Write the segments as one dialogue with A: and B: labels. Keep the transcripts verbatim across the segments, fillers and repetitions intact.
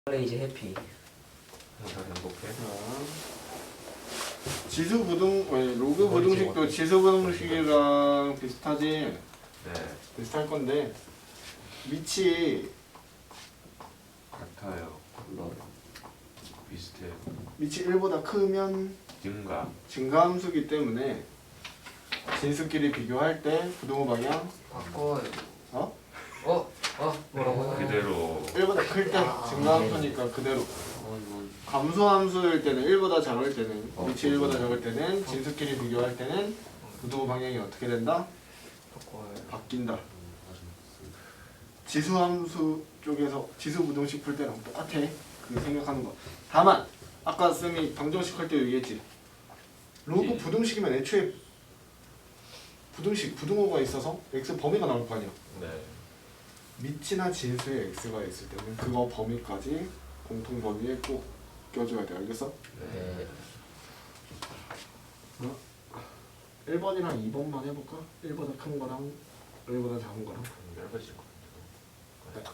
A: 레이즈 해피.
B: 항상 행복해.
C: 지수 부등 아니 로그 부등식도 지수 부등식이랑 비슷하지.
B: 네.
C: 비슷할 건데 밑이
B: 같아요. 비슷해요.
C: 밑이 일보다 크면
B: 증가.
C: 증가함수기 때문에 진수끼리 비교할 때 부등호 방향
A: 바꿔요.
C: 어?
A: 어? 어? 뭐라고요?
B: 그대로.
C: 일보다 클 때
A: 아,
C: 증가함수니까 그대로.
A: 어, 이거.
C: 감소함수일 때는 일보다 작을 때는
A: 어,
C: 밑이 일보다 작을 때는 진수끼리 비교할 때는 부등호 방향이 어떻게 된다?
A: 바꿔요.
C: 바뀐다. 지수함수 쪽에서 지수 부등식 풀 때랑 똑같아. 그 생각하는 거. 다만 아까 쌤이 방정식 할 때 얘기했지. 로그
B: 예.
C: 부등식이면 애초에 부등식 부등호가 있어서 x 범위가 나올 거 아니야.
B: 네.
C: 밑이나 진수에 x가 있을 때는 그거 범위까지 공통 범위에 꼭 껴줘야 돼. 알겠어?
A: 네.
C: 어? 일 번이랑 이 번만 해볼까? 일보다 큰 거랑 일보다 작은 거랑.
B: 넓어질 것 같아요.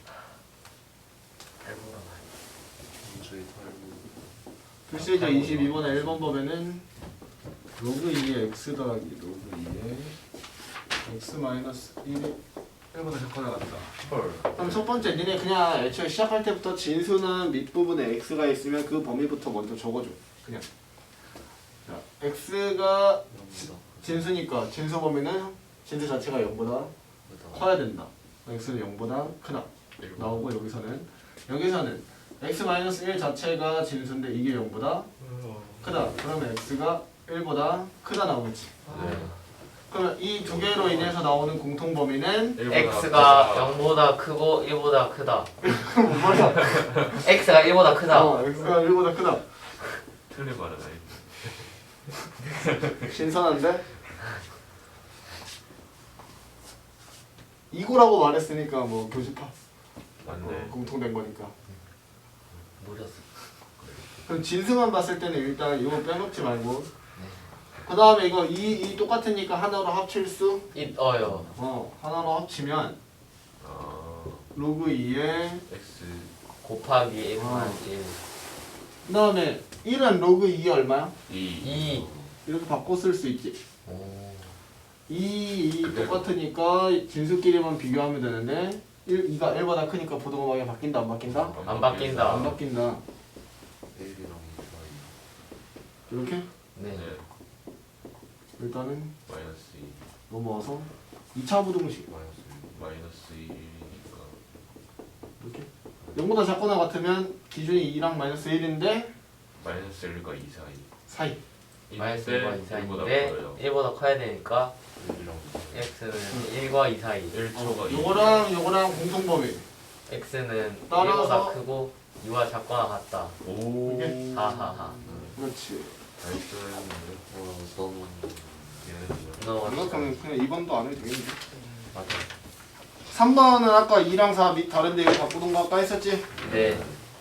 A: 발보라.
B: 저희
C: 필수이자 이십이 번의 일 번 법에는 로그 이의 x 더하기 로그 이의 x 마이너스 일이 일보다 작거나 같다.
B: 헐.
C: 그럼 첫 번째 니네 그냥 애초에 시작할 때부터 진수는 밑부분에 x가 있으면 그 범위부터 먼저 적어줘. 그냥. 자, x가 진수니까 진수 범위는 진수 자체가 영보다 커야 된다. x는 영보다 크다. 나오고 여기서는 여기서는 x 마이너스 일 자체가 진수인데 이게 영보다 크다. 그러면 x가 일보다 크다 나오겠지.
B: 네.
C: 그러면 이 두 개로 인해서 나오는 공통 범위는
A: x가 영보다 크고 일보다 크다.
C: 뭐야?
A: x가 일보다 크다.
C: 어, x가 일보다 크다.
B: 틀린 말은 아닌데.
C: 신선한데? 이거라고 말했으니까 뭐 교집합.
B: 맞네.
C: 어, 공통된 거니까.
A: 노렸어.
C: 그럼 진수만 봤을 때는 일단 이거 빼먹지 말고. 그 다음에 이거 이, 이 똑같으니까 하나로 합칠 수?
A: 있어요.
C: 어, 하나로 합치면
B: 어.
C: 로그 이에
B: X.
A: 곱하기 일
C: 어.
A: 마이너스 일.
C: 그 다음에 일은 로그 이 얼마야?
B: 이.
A: 이.
C: 이렇게 바꿔 쓸 수 있지.
A: 오.
C: 이, 이
B: 그대로.
C: 똑같으니까 진수끼리만 비교하면 되는데 일, 이가 일보다 크니까 부등호 방향 바뀐다 안 바뀐다?
A: 안 바뀐다.
C: 안 바뀐다. 이렇게
A: 네.
B: 네.
C: 일단은
B: 마이너스 이.
C: 넘어와서 이 차 부등식
B: 마이너스 일이니까.
C: 이렇게 영보다 작거나 같으면 기준이 이랑 마이너스 일인데
B: 마이너스 일과 이 사이.
C: 사이.
A: 마이너스
B: 일
A: 일과
B: 대
A: 이
B: 일보다
A: 사이인데
B: 커요.
A: 일보다 커야 되니까
B: 일이랑
A: x는 일과 이 사이.
B: 일 초가
C: 어,
B: 이.
C: 요거랑 요거랑 공통범위.
A: x는
C: 따라서-
A: 일보다 크고 이와 작거나 같다.
B: 오.
C: 이게?
A: 하하하.
C: 그렇지.
B: 알뜰했는데.
A: 어, 너무
B: 얘는
A: 너무
C: 생각하면 그냥 이 번도 안 해도 되겠는데.
A: 맞아.
C: 삼 번은 아까 이랑 사 밑 다른데 이거 바꾸는 거 아까 했었지?
A: 네.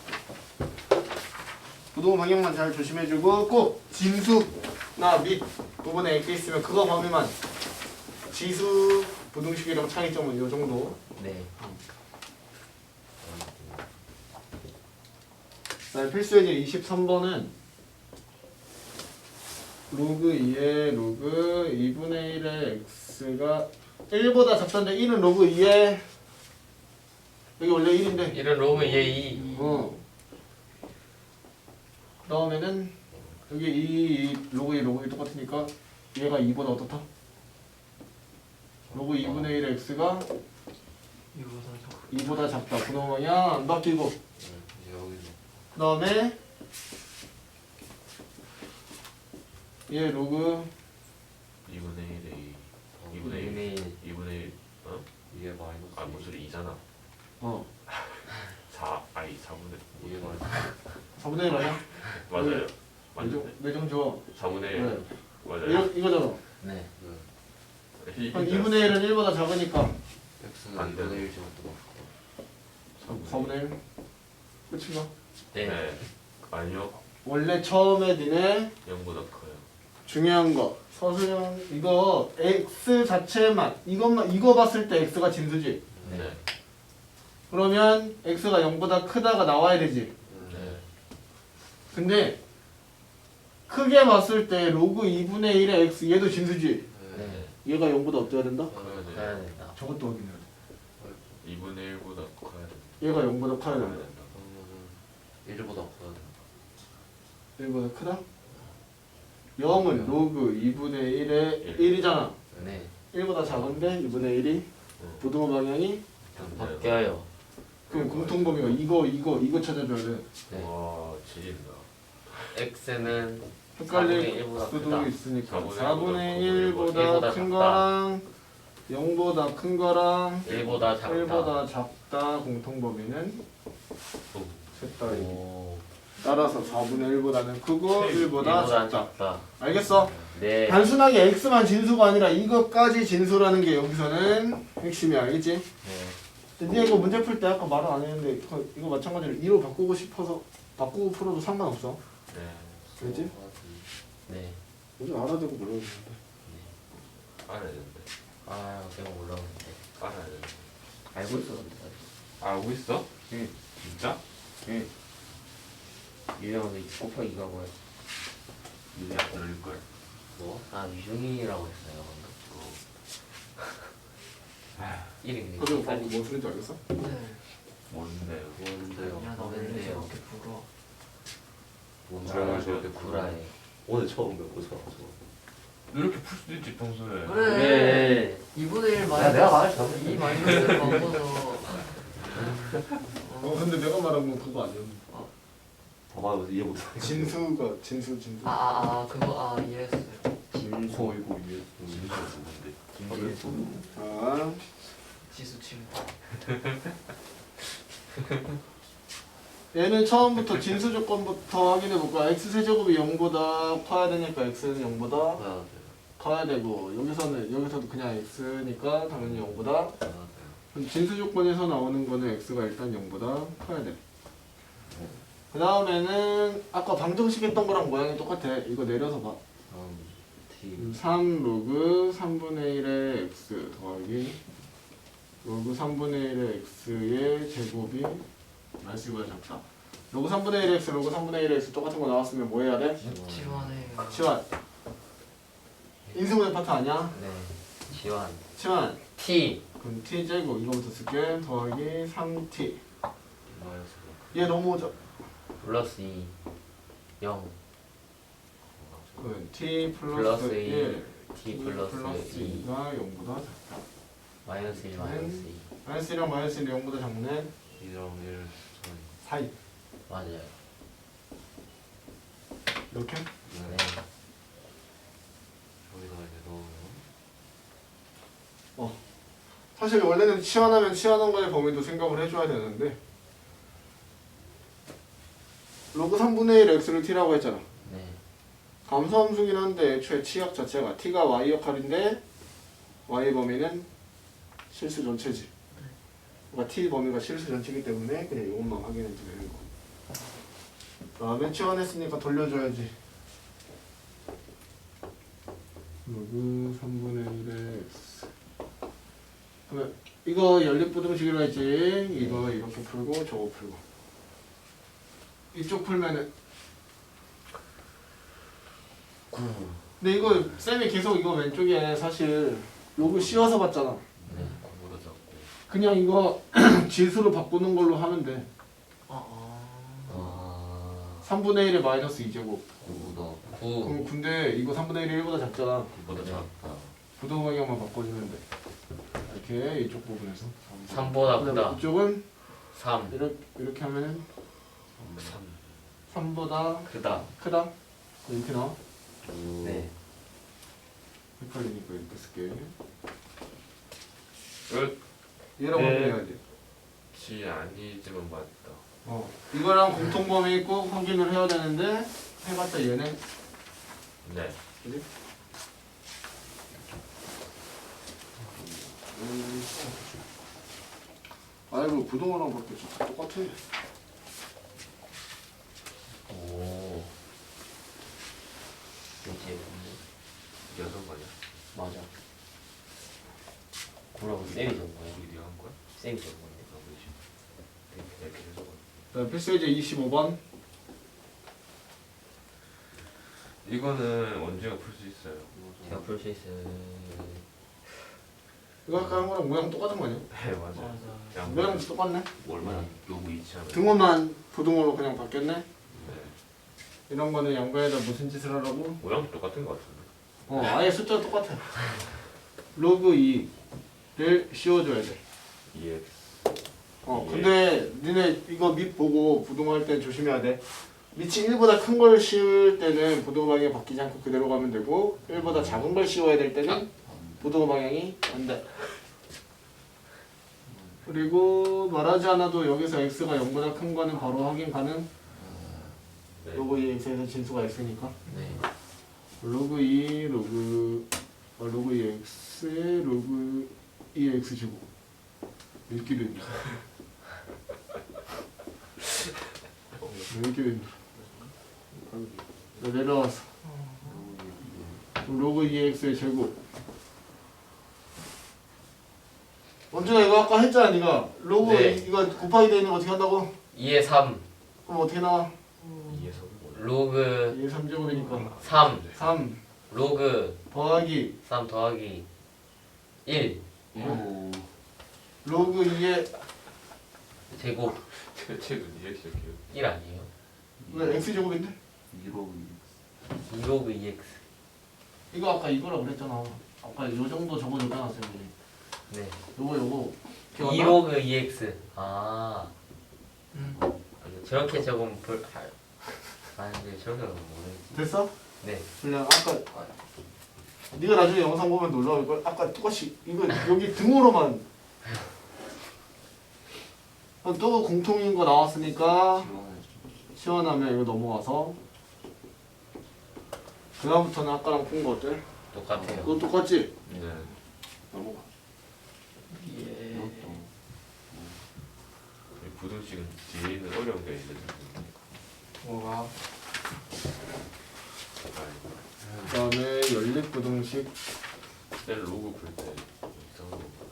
C: 부등호 방향만 잘 조심해주고 꼭 진수나 밑 부분에 X 있으면 그거 범위만 지수 부등식이랑 차이점은 요 정도.
A: 네.
C: 그다음에 필수예제 이십삼 번은 로그 이의 로그 이분의 일의 x가 일보다 작던데 일은 로그 이의 여기 원래 일인데
A: 이런 로그 얘 이.
C: 어. 다음에는 여기 이, 이 로그 이 로그 이 똑같으니까 얘가 이보다 어떻다? 로그 이분의 일의 x가 이보다 작다. 부등호 방향 안 바뀌고 그 다음에 얘 로그
B: 이분의 일에 이.
A: 이분의
B: 이분의 일.
A: 일.
B: 이분의 일. 어?
D: 이게 마이너스
B: 아, 무슨 이잖아.
C: 어
B: 사. 아니, 사분의.
D: 이게 마이너스
C: 사분의 일 아니야?
B: 맞아요.
C: 내정,
B: 맞는데.
C: 내정 줘.
B: 사분의 일.
C: 네.
B: 맞아요.
C: 이거, 이거잖아.
A: 네.
B: 이-
C: 그럼 이분의 일은 일보다 작으니까
D: X는
B: 안
D: 이분의
B: 돼요.
D: 일 제곱도
C: 사분의 일 끝인가?
A: 네.
B: 네. 아니요.
C: 원래 처음에 니네
B: 영보다 커요.
C: 중요한 거 서술형 이거 x 자체만 이것만 이거 봤을 때 x가 진수지.
A: 네.
B: 네.
C: 그러면 x가 영보다 크다가 나와야 되지.
B: 네.
C: 근데 크게 봤을 때 로그 이분의 일의 x 얘도 진수지.
D: 네.
C: 얘가 영보다 어때야 된다?
B: 커야 돼.
D: 해야 된다.
C: 저것도 확인해야 돼.
B: 이분의 일보다 커야 돼.
C: 얘가 영보다 커야
B: 커야
C: 된다.
B: 된다.
D: 그러면은 일보다 커야 된다.
C: 일보다 크다? 영은 로그 이분의 일의 일이잖아.
D: 네.
C: 일보다 작은데 이분의 일이 부등호 방향이
D: 바뀌어요.
C: 그럼 공통범위가 이거 이거 이거 찾아줘야 돼.
D: 네.
B: 와 지린다.
D: x는
C: 헷갈릴
D: 사분의 일보다
C: 수도
D: 크다.
C: 있으니까
B: 사분의
C: 사분의
B: 일보다
C: 일보다
D: 일보다
C: 큰
D: 작다.
C: 거랑 영보다 큰 거랑
D: 일보다 작다.
C: 일보다 작다 공통범위는 셋 다.
D: 오.
C: 따라서 사분의 일보다는 크고 일보다
D: 일보다
C: 작다.
D: 작다.
C: 알겠어?
D: 네.
C: 단순하게 x만 진수가 아니라 이것까지 진수라는 게 여기서는 핵심이야. 알겠지?
D: 네.
C: 근데 이거 문제 풀 때 아까 말은 안 했는데 이거, 이거 마찬가지로 이로 바꾸고 싶어서 바꾸고 풀어도 상관없어.
B: 네.
C: 알겠지?
D: 네.
C: 먼저 알아두고 물어보면 돼.
B: 알아야 되는데.
D: 아, 내가 올라오는데.
B: 알아야 되는데.
D: 알고 있었는데.
B: 알고 있어?
C: 응.
B: 진짜?
C: 응.
D: 유형은 이 곱하기가 뭐야?
B: 이게 안 들릴걸.
D: 뭐? 아, 유형이라고 했어요. 이름이
C: 그리고 방금 뭔 소리인지 알겠어?
B: 뭔데요?
D: 뭔데요?
E: 야, 나 왜
D: 뭔데요?
E: 저렇게 불어?
D: 뭔
B: 아,
D: 사람을
B: 저렇게
D: 저렇게 구라해?
A: 오늘 처음 배워서
B: 이렇게 풀 수도 있지 평소에.
E: 그래.
D: 그래.
E: 이분의 일
A: 야,
E: 마이너스
A: 내가 말을 잘못했어.
E: 이 마이너스를 바꿔서
C: 어 근데 내가 말한 건 그거 아니야.
A: 봐봐요 이해 못해.
C: 진수가 진수 진수.
E: 아아아 아, 그거 아 이해했어요.
D: 진수.
A: 어 이거 이해 진짜
D: 진수.
C: 자,
E: 지수 친구.
C: 얘는 처음부터 진수 조건부터 확인해 볼까? x 세제곱이 영보다 커야 되니까 x는 영보다
A: 봐야 돼.
C: 커야 되고 여기서는 여기서도 그냥 x니까 당연히 영보다.
A: 봐야 돼.
C: 그럼 진수 조건에서 나오는 거는 x가 일단 영보다 커야 돼. 그 다음에는 아까 방정식 했던 거랑 모양이 똑같아. 이거 내려서 봐.
D: 음,
C: 음,
D: T.
C: 삼 로그 삼분의 일의 x 더하기 로그 삼분의 일의 x의 제곱이 마이너스보다 작다. 로그 삼분의 일의 x, 로그 삼분의 일의 x 똑같은 거 나왔으면 뭐 해야 돼?
E: 지원해요.
C: 치환. 인수분해 파트 아니야?
D: 네. 지환.
C: 치환.
D: T.
C: 그럼 t 제곱 이거부터 쓸게. 더하기 삼 티.
A: 마이너스.
C: 얘 넘어오죠?
D: 플러스 이. 영.
C: 그럼 t
D: 플러스
C: 플러스
D: 일.
C: 일.
D: T 플러스 이.
C: 이가 영보다 작다.
D: 마이너스 일 마이너스 이.
C: 마이너스 일이랑 마이너스 일이 영보다 작네.
A: 이랑 일
C: 사이.
D: 맞아요.
C: 이렇게?
D: 네.
A: 여기다 이제 넣으면
C: 사실 원래는 치환하면 치환한 거의 범위도 생각을 해줘야 되는데 로그 삼분의 일 x를 t라고 했잖아.
D: 네.
C: 감소함수긴 한데 애초에 치역 자체가 t가 y 역할인데 y 범위는 실수 전체지. 그러니까 t 범위가 실수 전체이기 때문에 그냥 이것만 확인해 주는 거. 다음에 치환했으니까 돌려줘야지. 로그 삼분의 일의 x. 그러면 이거 연립부등식이라 했지. 이거 이렇게 풀고 저거 풀고. 이쪽 풀면은 근데 이거 쌤이 계속 이거 왼쪽에 사실 로그 씌워서 봤잖아.
D: 네.
B: 그보다 작고.
C: 그냥 이거 지수로 바꾸는 걸로 하면 돼.
E: 아
D: 아.
C: 삼분의 일에 마이너스 이 제곱.
A: 구보다
D: 구.
C: 그럼 근데 이거 삼분의 일이 일보다 작잖아.
B: 그보다
D: 네.
B: 작다.
C: 부동 방향만 바꿔주면 돼. 이렇게 이쪽 부분에서.
D: 삼보다
C: 그다음에
D: 크다.
C: 이쪽은
D: 삼.
C: 이렇게 이렇게 하면은
B: 삼.
C: 삼보다
D: 크다.
C: 크다. 이렇게 나와.
D: 네.
C: 헷갈리니까 이렇게 쓸게.
B: 끝.
C: 얘랑
D: 네.
C: 확인해야지.
B: 지 아니지만 맞다.
C: 어, 이거랑 공통범위 꼭 확인을 해야 되는데 해봤자 얘네.
B: 네.
C: 그지? 음, 아이고 부동어랑 밖에 진짜 똑같아.
D: 오. 이제
B: 여섯 마리야.
D: 맞아. 그러고 쌤이 적은 거야.
B: 우리 네가 한 거야?
D: 쌤이 적은 건데.
B: 나 보이지.
C: 다음 필수예제 이십오 번.
B: 이거는 원주가 풀 수 있어요.
D: 제가 풀 수 있어요.
C: 이거 아까 한 거랑 모양 똑같은 거 아니야?
B: 네 맞아요.
E: 맞아.
B: 그냥
C: 모양 똑같네.
B: 얼마나 요구 이치하면.
C: 등호만 부등호로 그냥 바뀌었네.
B: 네.
C: 이런 거는 양변에다 무슨 짓을 하라고?
B: 모양도 똑같은 것 같은데.
C: 어 아예 숫자가 똑같아. 로그 이를 씌워줘야 돼.
B: 이엑스.
C: 어
B: 예.
C: 근데 니네 이거 밑 보고 부등호할 때 조심해야 돼. 밑이 일보다 큰 걸 씌울 때는 부등호 방향이 바뀌지 않고 그대로 가면 되고 일보다 작은 걸 씌워야 될 때는 부등호 방향이 안 돼. 그리고 말하지 않아도 여기서 x가 영보다 큰 거는 바로 확인 가능.
B: 네.
C: 로그 이 x에서 진수가 x니까.
D: 네.
C: 로그 이 로그 어, 로그 이 x에 로그 이 x 제곱 읽기도 힘들어. 읽기도 힘들어. 나 내려왔어. 그럼 로그 이 x의 제곱. 원준아 이거 아까 했잖아 니가. 로그
D: 네.
C: 이, 이거 곱하기 돼 있는 거 어떻게 한다고?
D: 이에 삼.
C: 그럼 어떻게 나와?
B: 이에서 뭐야?
D: 로그
C: 이게 삼 제곱이니까
D: 삼.
C: 삼
D: 로그
C: 더하기
D: 삼 더하기 일.
A: 오.
C: 로그 이의
D: 제곱
B: 대체는 이엑스 이렇게.
D: 일 아니에요?
C: 왜 x 제곱인데?
A: 이로
D: 이 로그 이 엑스.
C: 이거 아까 이거라 그랬잖아. 아까 요 정도 적어줬잖아 쌤이.
D: 네.
C: 요거 요거
D: 이
C: 기억나?
D: 로그 이 엑스. 아.
E: 음.
D: 저렇게 적으면 볼 할. 아 근데 저렇게 적으면 모르겠지.
C: 됐어?
D: 네.
C: 그냥 아까 네가 나중에 영상 보면 놀라울 걸. 아까 똑같이 이거 여기 등호로만 그럼 또 공통인 거 나왔으니까 시원하면 이거 넘어가서 그 다음부터는 아까랑 푼 거 어때?
D: 똑같아요.
C: 그거 똑같지?
B: 네.
C: 넘어가.
E: 예.
B: 이 부등식은 뒤에 있는 어려운 게 있는데.
E: 뭐가?
C: 그 다음에 연립부등식.
B: 셀 로그 풀 때 이상한 거 많아.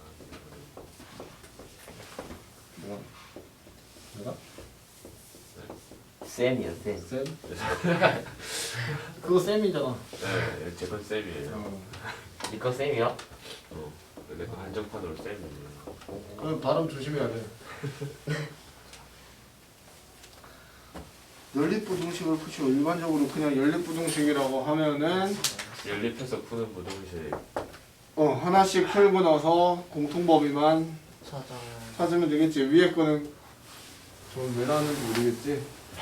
C: 뭐야? 뭐가?
D: 쌤이요 쌤.
C: 쌤? 그거 쌤이잖아.
B: 네, 제건 쌤이에요.
C: 어.
D: 이거 쌤이요?
B: 어. 근데 그 한정판으로 쌤이에요.
C: 그 발음 조심해야 돼. 연립부등식을 푸시고 일반적으로 그냥 연립부등식이라고 하면은
B: 연립해서 푸는 부등식.
C: 어 하나씩 풀고 나서 공통범위만
E: 찾아.
C: 찾으면 되겠지. 위에 거는 좀 왜 나왔는지 모르겠지.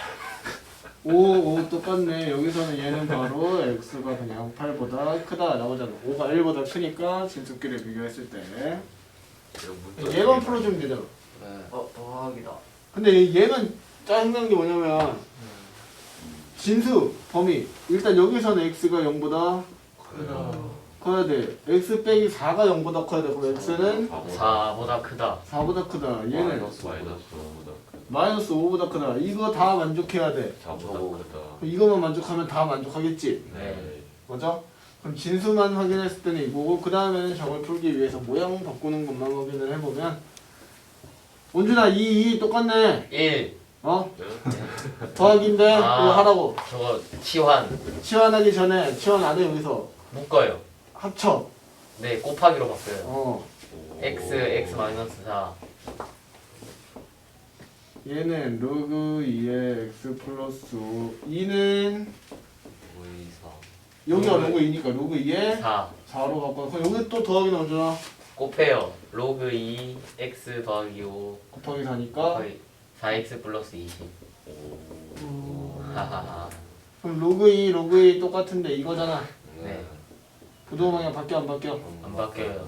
C: 오, 오 똑같네. 여기서는 얘는 바로 x가 그냥 팔보다 크다 나오잖아. 오가 일보다 크니까 진수끼리 비교했을 때
B: 이런 문자.
C: 얘만 풀어주면 되잖아.
A: 네.
E: 어 더하기다.
C: 근데 얘는 짜증난 게 뭐냐면 진수 범위 일단 여기서는 x가 영보다
E: 크다.
C: 커야 돼. x 빼기 사가 영보다 커야 돼. 그럼 x는
D: 사보다 크다.
C: 사보다 크다. 얘는
B: 마이너스 마이너스 오보다 크다.
C: 마이너스 오보다 크다. 이거 다 만족해야 돼.
B: 사보다 크다.
C: 그럼 이거만 만족하면 다 만족하겠지.
B: 네.
C: 맞아? 그럼 진수만 확인했을 때는 이거고 그 다음에는 정을 풀기 위해서 모양 바꾸는 것만 확인을 해보면 원준아 이, 이 똑같네.
D: 일.
C: 어?
B: 네.
C: 더하기인데
D: 아.
C: 이거 하라고.
D: 저거 치환.
C: 치환하기 전에 치환 안 해 여기서
D: 묶어요.
C: 합쳐.
D: 네 곱하기로 바꿔요.
C: 어.
B: 오.
D: x x 마이너스 사.
C: 얘는 로그 이의 x 플러스 이는
A: 오이사.
C: 여기가 로그 이니까 로그 이의
D: 사.
C: 사로 바꿔. 그럼 여기 또 더하기 나오잖아.
D: 곱해요. 로그 이 x 더하기 오
C: 곱하기 사니까
D: 곱하기 사 엑스 플러스 이십.
B: 오.
D: 하하하.
C: 그럼 로그 이 로그 이 똑같은데 이거잖아.
D: 네.
C: 부동호 방향 바뀌어 안 바뀌어?
D: 안 바뀌어요.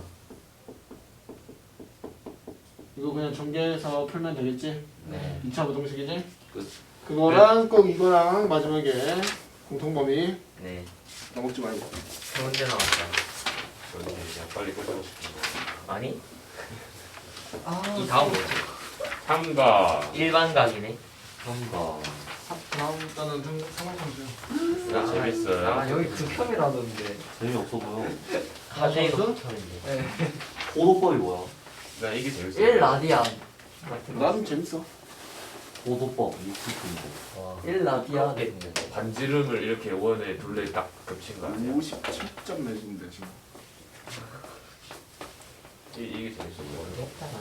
C: 이거 그냥 전개해서 풀면 되겠지?
D: 네.
C: 이 차 부동식이지?
A: 끝.
C: 그거랑 꼭 이거랑 마지막에 공통범위
D: 네.
C: 까먹지 말고.
D: 세 문제 나왔다.
B: 저는 그냥 빨리 끝내고 싶은데.
D: 아니?
E: 아.
D: 이 다음 뭐지?
B: 삼가.
D: 일반각이네.
A: 삼가.
C: 다음 단은 상황함수.
B: 아, 재밌어요.
E: 아 여기 극혐이라던데.
A: 재미없어 보여.
D: 하재이도
C: 무슨?
D: 붙였는데.
E: 네.
A: 오도법이 뭐야?
B: 나 이게 재밌어요.
E: 일 라디안 같은 거.
C: 나는 재밌어.
A: 소도법 이스푼도.
D: 와.
E: 일 라디아.
D: 하겠네.
B: 반지름을 이렇게 원에 둘레 딱 겹친 거 아니야?
C: 오십칠 점 내준대 지금.
B: 이, 이게 재밌어 보여.
D: 모르겠다.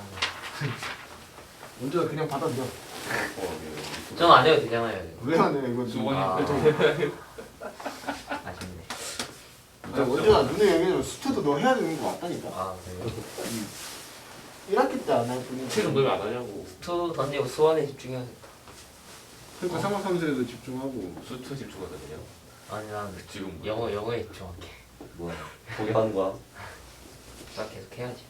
C: 문제가 그냥 받아들여.
D: 전안 해도 되잖아요.
C: 왜 안 해? 이거
B: 수건이
D: 아.
C: 좀.
D: 아쉽네.
C: 원재가 눈에 얘기하면 수트도 너 해야 되는 거 맞다니까.
D: 아 그래요?
C: 일 학기 때 안 할 뿐이지.
B: 체중 너왜 안 하냐고.
D: 투 던지고 수원에 집중해야겠다.
C: 그러니까 상황함수에도 집중하고.
B: 수트 집중하다 그냥.
D: 아니 난
B: 지금 뭐.
D: 영어 영어에 집중할게.
A: 뭐야? 포기하는 거야?
D: 나 계속 해야지.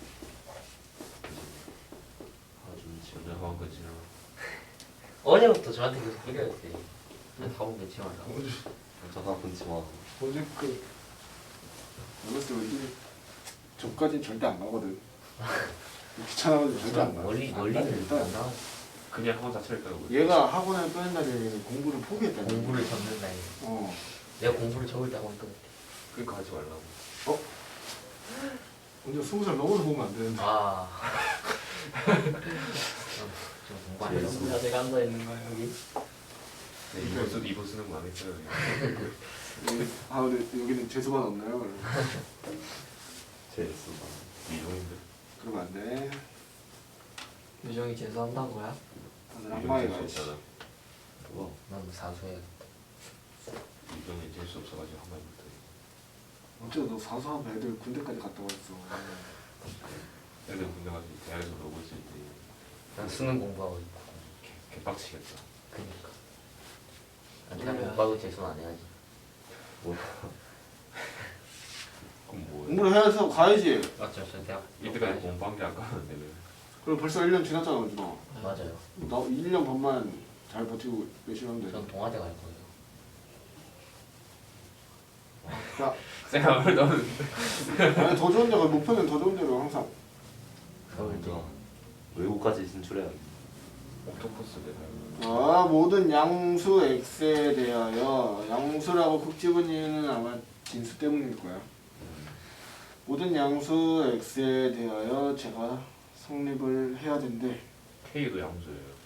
A: 아주 지금
B: 오늘 하원 거지.
D: 어제부터 저한테 계속 뿌려야지. 난 다음 게 지원하고.
C: 어제
A: 전화 끊지 마.
C: 어제 그 어렸을 때 이제 저까지는 절대 안 가거든. 귀찮아가지고 절대 안 가.
D: 멀리
C: 안
D: 멀리는
C: 가요, 일단.
D: 안 나와.
B: 그냥 학원 자체를 까고.
C: 얘가 학원을 빼낸다는 공부를 포기했다는 거야.
D: 공부를 접는다 이거.
C: 어.
D: 내가 공부를 접을 때 하고 있거든.
B: 그러니까 하지 말라고.
C: 먼저 스무 살 넘어서 보면 안 되는데.
D: 아. 좀 공부 안 해서.
A: 재밌어.
E: 진짜 제가 앉아 있는 거야 여기.
B: 네, 이번 쓰 이번 쓰는 거 안 했어요.
C: 예. 아 근데 여기는 재수반 없나요? 그러면.
A: 재밌어.
B: 미종인데.
C: 그러면 안 돼.
E: 유정이 재수한다고요?
C: 다들
B: 미종
C: 한방에
B: 재수
C: 가야지.
B: 없잖아.
A: 뭐야?
D: 난 사수해야겠다.
B: 미종이 재수 없어가지고 한 번 못해.
C: 어쩌다 너 사수하면 애들 군대까지 갔다 왔어.
B: 애들 군대 가서 대학에서 놀고 있을 때
D: 난 수능 공부하고 있고.
B: 개, 개빡치겠다.
D: 그니까. 난 대학 공부하고 재수는 안 해야지.
A: 뭐야?
B: 그럼 뭐해?
C: 공부를 해서 가야지.
D: 맞죠? 저 대학.
B: 이때까지 공부한 게 아까운데 왜?
C: 그리고 벌써 일 년 지났잖아, 은준아.
D: 맞아요.
C: 나 일 년 반만 잘 버티고 열심히 하면 돼.
D: 전 동아대 갈 거예요.
C: 야,
B: 생각을 너는
C: 아니 더 좋은 데가 목표는 더 좋은 데로 항상.
D: 서울대.
A: 외국까지 진출해야 돼.
B: 옥토퍼스 내가
C: 아, 모든 양수 x에 대하여 양수라고 콕 집은 이유는 아마 진수 때문일 거야. 모든 양수 x에 대하여 제가 성립을 해야 된대.
B: K도 양수예요.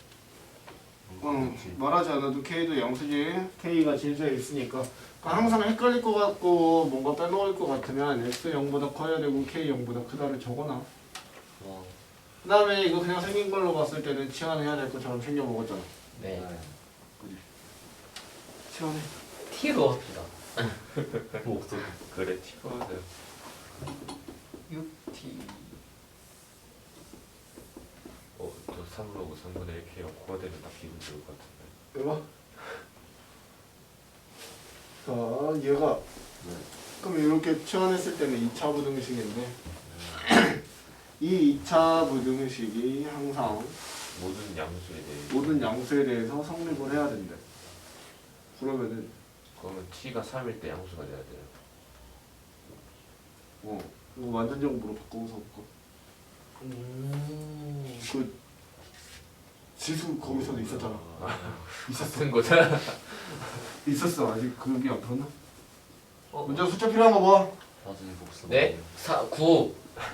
C: 응, 말하지 않아도 K도 양수지. K가 진수에 있으니까. 그러니까 항상 헷갈릴 것 같고 뭔가 빼먹을 것 같으면 x 영보다 커야 되고 k 영보다 크다를 적어놔.
A: 와.
C: 그 다음에 이거 그냥 생긴 걸로 봤을 때는 치환해야 될 것처럼 생겨 먹었잖아.
D: 네.
C: 그지? 치환해.
D: T로 합시다.
A: 목소리.
B: 그래 티퍼드.
E: 육 티.
B: 어, 저 삼로그 삼분의 일 K가 코가 되면 딱 기분 좋을 것 같은데.
C: 이거 봐. 자, 얘가
A: 네.
C: 그럼 이렇게 치환했을 때는 이 차 부등식인데 이 이 차 부등식이 항상
B: 모든 양수에 대해.
C: 모든 양수에 대해서 성립을 해야 된대. 그러면은
B: 그러면 T가 삼일 때 양수가 돼야 돼요.
C: 어 이거 완전정보로 바꿔서 볼까?
D: 음.
C: 그 지수 거기서도 있었잖아. 있었어.
B: 같은 거잖아.
C: 있었어. 아직 그게 안 풀었나?
E: 어,
C: 문제 숫자 필요한 거 뭐?
A: 나중에 복습.
D: 네. 사 구.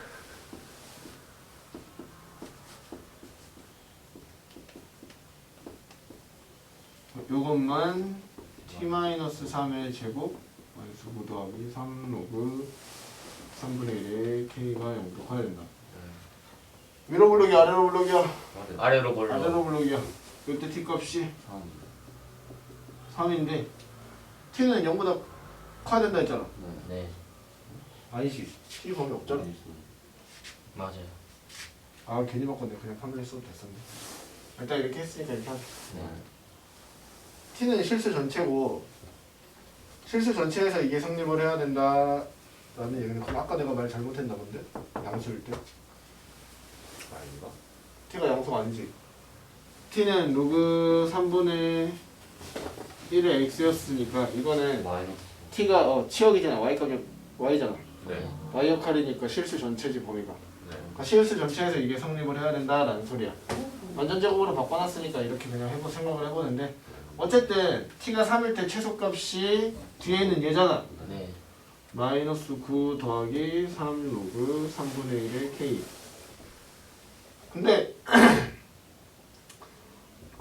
C: 요것만 t-삼의 제곱 마이너스 구 더하기 삼 로그 삼분의 일에 k가 영도 커야 된다. 위로 블록이 아래로 블록이야.
D: 아래로 볼로.
C: 아래로 블록이야. 이때 t 값이
A: 삼.
C: 삼인데 t는 영보다 커야 된다 했잖아.
A: 네.
D: 네.
C: 아니지. t 범위 없잖아.
D: 맞아요.
C: 아 괜히 바꿨네. 그냥 삼을 했어도 됐었네. 일단 이렇게 했으니까 이렇게 하자.
D: 네.
C: t는 실수 전체고 실수 전체에서 이게 성립을 해야 된다 라는 얘기는 그럼 아까 내가 말 잘못했나 본데? 양수일 때?
B: 아닌가?
C: t가 양수가 아니지. t는 로그 삼분의 일의 x였으니까 이거는
A: 마이너스.
C: t가 어 치역이잖아. y 가격 y잖아.
B: 네.
C: y 역할이니까 실수 전체지 범위가.
B: 네.
C: 그러니까 실수 전체에서 이게 성립을 해야 된다라는 소리야. 완전 제곱으로 바꿔놨으니까 이렇게 그냥 해보 생각을 해보는데 어쨌든 t가 삼일 때 최소값이 뒤에는 얘잖아.
D: 네.
C: 마이너스 구 더하기 삼 로그 삼분의 일의 k. 근데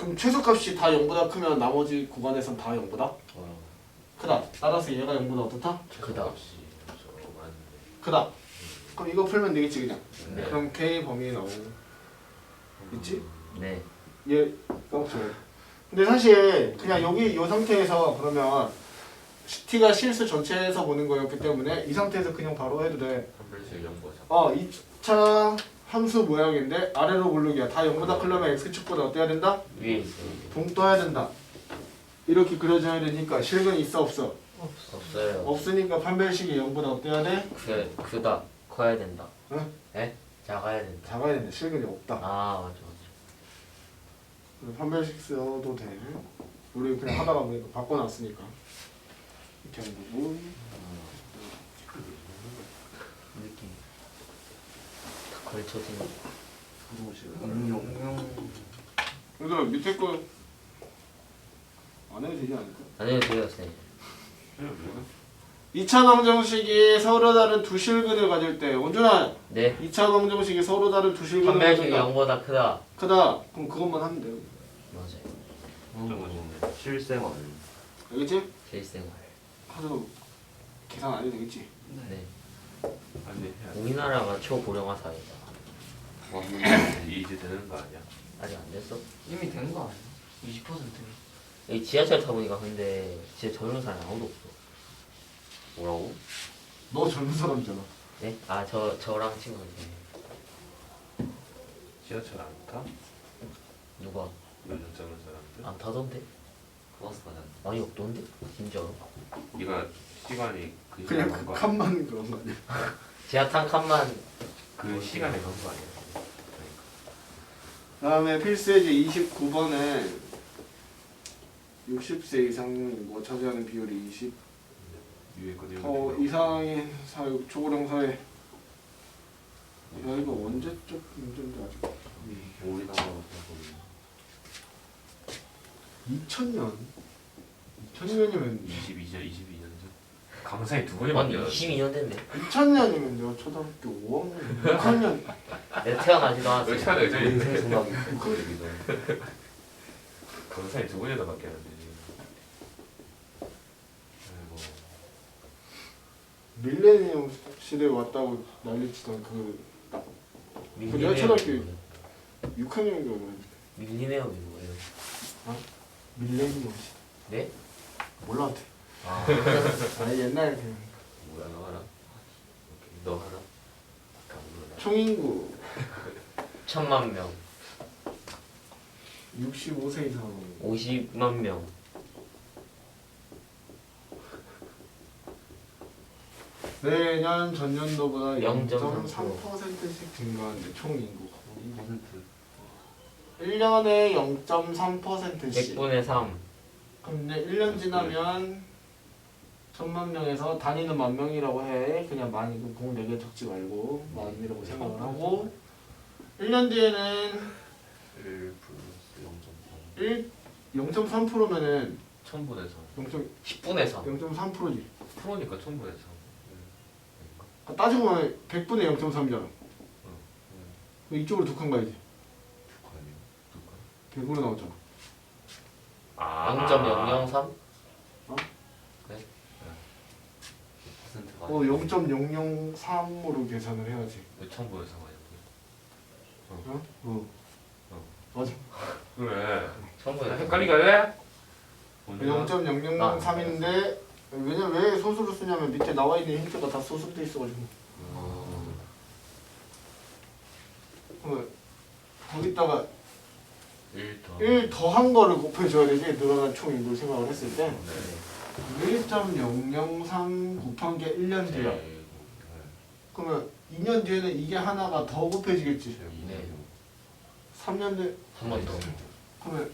C: 그럼 최소값이 다 영보다 크면 나머지 구간에선 다 영보다
A: 어.
C: 크다. 따라서 얘가 영보다 어떻다?
D: 크다.
B: 값이 저 많은데.
C: 크다. 그럼 이거 풀면 되겠지 그냥.
D: 네.
C: 그럼 K 범위에 나오고 있지?
D: 네.
C: 얘 까먹지 말고. 근데 사실 그냥 여기 이 상태에서 그러면 t가 실수 전체에서 보는 거였기 때문에 이 상태에서 그냥 바로 해도 돼.
B: 한별씩 연거 잡.
C: 어, 이 차 함수 모양인데 아래로 고르기야. 다 영보다 크려면 x축보다 어때야 된다?
D: 위에 있어요.
C: 동 떠야 된다. 이렇게 그려져야 되니까 실근이 있어 없어?
D: 없어요.
C: 없으니까 판별식이 영보다 어때야 돼?
D: 그 크다. 커야 된다.
C: 응?
D: 에? 작아야 된다.
C: 작아야 된다. 실근이 없다.
D: 아 맞아 맞아.
C: 그래서 판별식 써도 돼. 우리 그냥 하다가 보니까 바꿔놨으니까 이렇게 하는 거고.
D: 느낌. 다 걸쳐진.
E: 응용.
C: 얘들아 밑에 거 안 해도 되지 않을까?
D: 안 해도 돼요 선생님.
C: 이 차 방정식이 서로 다른 두 실근을 가질 때 원준아
D: 네.
C: 이 차 방정식이 서로 다른 두 실근을
D: 판별식이
C: 가진다.
D: 영보다 크다.
C: 크다. 그럼 그것만 하면 돼요.
D: 맞아요.
A: 실생활.
C: 알겠지?
D: 실생활.
C: 하도 계산 안 해도 되겠지?
D: 네.
B: 아니 해야 돼.
D: 우리나라가 초고령화 사회다.
A: 맞는
B: 이제 되는 거 아니야?
D: 아직 안 됐어?
E: 이미 된 거 아니야? 이십 퍼센트.
D: 여기 지하철 타보니까 근데 진짜 젊은 사람이 아무도 없어.
A: 뭐라고?
C: 너 젊은 사람이잖아.
D: 네? 아 저 저랑 친구들
B: 지하철 안 타?
D: 누가
B: 요즘 젊은 사람들?
D: 안 타던데?
A: 버스 가자.
D: 많이 없던데? 진짜로?
B: 네가 시간이 그
C: 그냥
B: 시간에
C: 그
B: 간거 아니야?
C: 칸만 그런 거 아니야?
D: 지하 탄 칸만
B: 그 시간에 간 거 아니야?
C: 다음에 필수예제 이십구 번에 육십 세 이상인구 차지하는 비율이 이십
B: 위에 거 내용.
C: 어, 이상인 사육 초고령 사회. 야 이거 언제적 문제인지 아직.
A: 우리나라
C: 이천 년? 이천 년이면
B: 이십이 년, 이십이 년 전. 강사에 두 번이
D: 아니
B: 바뀌었어.
D: 이십이 년 됐네.
C: 이천 년이면 내가 초등학교 오 학년, 육 학년.
D: 내가 태어나지도 않았어.
B: 왜 차례 저
A: 인생 생각이
B: 강사에 두 번이나 바뀌었는데 지금. 아이고.
C: 밀레니엄 시대에 왔다고 난리치던 그 내가 초등학교 육 학년인가 그랬는데.
D: 밀리네움이 뭐예요?
C: 밀레니엄 시대.
D: 네?
C: 몰라 한테.
D: 아
C: 아니 옛날 그냥
B: 뭐야 너 하나? 오케이 너 하나? 다 몰라.
C: 총인구
D: 천만 명,
C: 육십오 세 이상.
D: 오십만 명.
C: 내년 전년도보다
D: 영 점
C: 영 점
D: 삼
C: 삼 퍼센트씩 증가하는데 총 인구가.
A: 이 퍼센트.
C: 일 년에 영 점 삼 퍼센트씩.
D: 백분의 삼.
C: 근데 일 년 지나면 천만 명에서 단위는 만 명이라고 해. 그냥 많이 공 네 개 적지 말고 만이라고 생각을 하고 일 년 뒤에는
A: 일 플러스 영 점 삼.
C: 일 영 점 삼 퍼센트면은
B: 천분의 삼.
D: 십분의 삼.
C: 영 점 삼 퍼센트지.
B: 프로니까 천분의 삼.
C: 따지고 보면 백 분의 영 점 삼이잖아.
B: 응.
C: 이쪽으로 두 칸 가야지.
B: 북한이요? 누가?
C: 백으로 나왔잖아.
B: 아.
D: 영 점 영영삼?
A: 퍼센트가
C: 어, 영 점 영영삼으로 계산을 해야지.
B: 왜 천분의 삼 아니야?
C: 어? 어.
B: 어.
C: 맞아.
B: 그래.
D: 천분의
B: 헷갈리게 할래?
C: 영 점 영영삼인데 왜냐 왜 소수로 쓰냐면 밑에 나와 있는 힌트가 다 소수돼 있어가지고. 그러면 거기다가
B: 일 더.
C: 일 더한 거를 곱해줘야 되지. 늘어난 총 인구를 생각을 했을 때
B: 네.
C: 일 점 영영삼 곱한 게 일 년 뒤야.
B: 네.
C: 그러면 이 년 뒤에는 이게 하나가 더 곱해지겠지.
D: 네.
C: 삼 년 뒤에
D: 한 번 더.
C: 그러면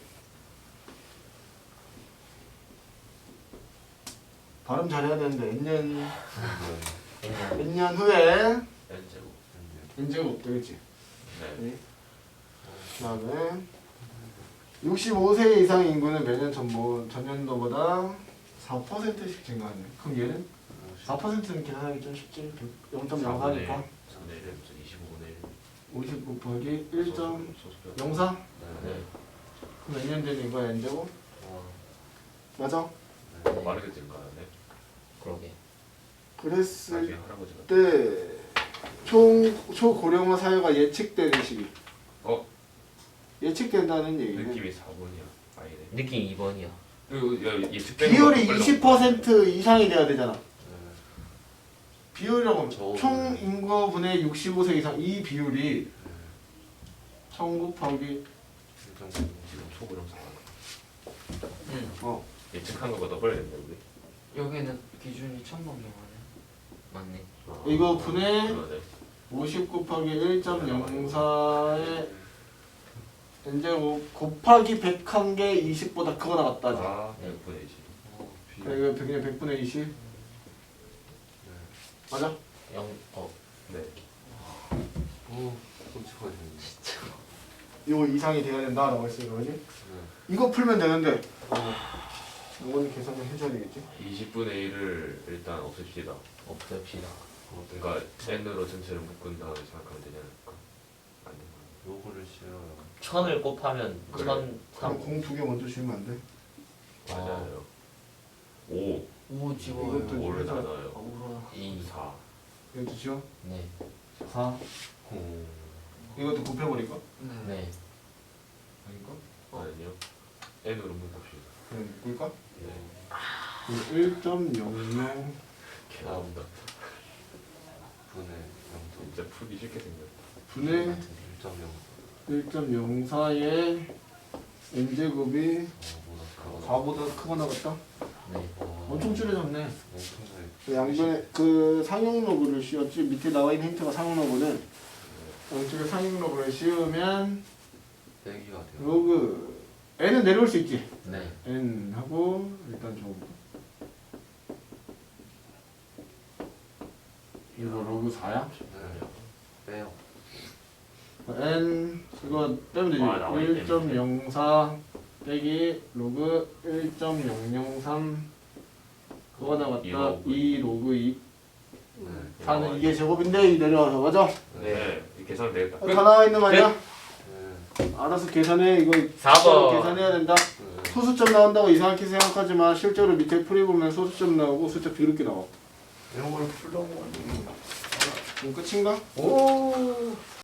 C: 발음 잘해야 되는데 N년
D: 그냥
C: N년 후에
B: N제곱.
C: N제곱 없되겠지.
B: 네.
C: 그다음에 육십오 세 이상 인구는 매년 전보, 전년도보다 사 퍼센트씩 증가하네. 그럼 얘는 사 퍼센트는 계산하기 좀 쉽지. 영 점 영사니까
B: 삼분의 일, 이십오분의 일.
C: 오십 곱하기 일 점
B: 소수표.
C: 영사?
B: 네.
D: 네.
C: 몇 년 되는 이거 n제곱?
A: 와.
C: 맞아?
A: 네.
B: 빠르게 증가하네.
D: 그러게.
C: 그랬을
B: 나중에 할아버지가.
C: 때 총 초고령화 사회가 예측되는 시기.
B: 어?
C: 예측된다는 얘기는
B: 느낌이 사 번이야. 아니네.
D: 느낌 이 번이야.
B: 그리고 야, 예측되는
C: 비율이
B: 것도
C: 이십 퍼센트 이상이 돼야 되잖아.
A: 네.
C: 비율이라고 하면
A: 저거는-
C: 총 인구분의 육십오 세 이상 이 비율이 천 곱하기
A: 일정
B: 지금 초고령사가
E: 응.
C: 어
B: 예측한 거보다 더 빨리 됐네 우리.
E: 여기는 기준이 천번 넘어가네.
D: 맞네.
B: 아,
C: 이거 분의
B: 그러네.
C: 오십 곱하기 일 점 영사의 n제곱 곱하기 백한 개 이십보다 크거나 같다지.
B: 아, 백분의 이십.
A: 어, 비.
C: 그래 이거 그냥 백분의 이십
A: 네.
C: 맞아?
D: 영 어.
B: 네.
A: 오, 끔찍하네.
C: 이거 이상이 돼야 된다라고 했으니까 그지?
A: 네.
C: 이거 풀면 되는데 이거는 계산을 해줘야 되겠지?
B: 이십분의 일을 일단 없앱시다.
D: 없앱시다.
B: 그러니까 n으로 전체를 묶은 다음에 생각하면 되지 않을까? 안 되나?
A: 요거를 싫어요.
D: 천을 곱하면
B: 그래.
D: 천
C: 그럼
D: 삼.
C: 공 두 개 먼저 주면 안 돼?
B: 맞아요. 오,
E: 오 지워요.
C: 이것도
B: 오를
C: 해서-
B: 나눠요.
E: 아, 울어.
D: 이.
B: 사.
C: 이것도 지워?
D: 네.
C: 사
A: 오.
C: 이것도 곱해버릴까?
E: 네.
D: 네.
C: 아닌가?
B: 아니요. n으로 묶읍시다.
C: 그냥 묶을까?
B: 네.
C: 일 점 영영
B: 개 나온다.
A: 분의 영점.
B: 진짜 풀기 쉽게 생겼다.
C: 분의
A: 일 점 영.
C: 일 점 영사의 n제곱이
A: 어, 뭐다.
C: 사보다 크거나 같다?
D: 네.
C: 엄청 줄여졌네.
A: 엄청나게.
C: 그 양변에 그 상용 로그를 씌웠지 밑에 나와 있는 힌트가 상용 로그는 양쪽에 상용 로그를 씌우면
A: 빼기가 돼요.
C: 로그 n은 내려올 수 있지.
D: 네.
C: n 하고 일단 좀 이거 로그 사야?
A: 네. 빼요.
C: n 이거 빼면 되지.
D: 아, 나와 있네.
C: 일 점 영사 빼기 로그 일 점 영영삼 그거
B: 이
C: 나갔다
B: 로그
C: 이 로그 이
A: 네.
C: 사는 이게 제곱인데 이 내려와서 맞아?
B: 네. 이 계산 되겠다.
C: 다 나와 있는 말이야?
A: 네.
C: 알아서 계산해. 이거
D: 사 번.
C: 계산해야 된다.
A: 네.
C: 소수점 나온다고 이상하게 생각하지만 실제로 밑에 풀이보면 소수점 나오고 숫자 더럽게 나와.
A: 이런 걸 풀려고 하는
C: 그럼 끝인가?
D: 오.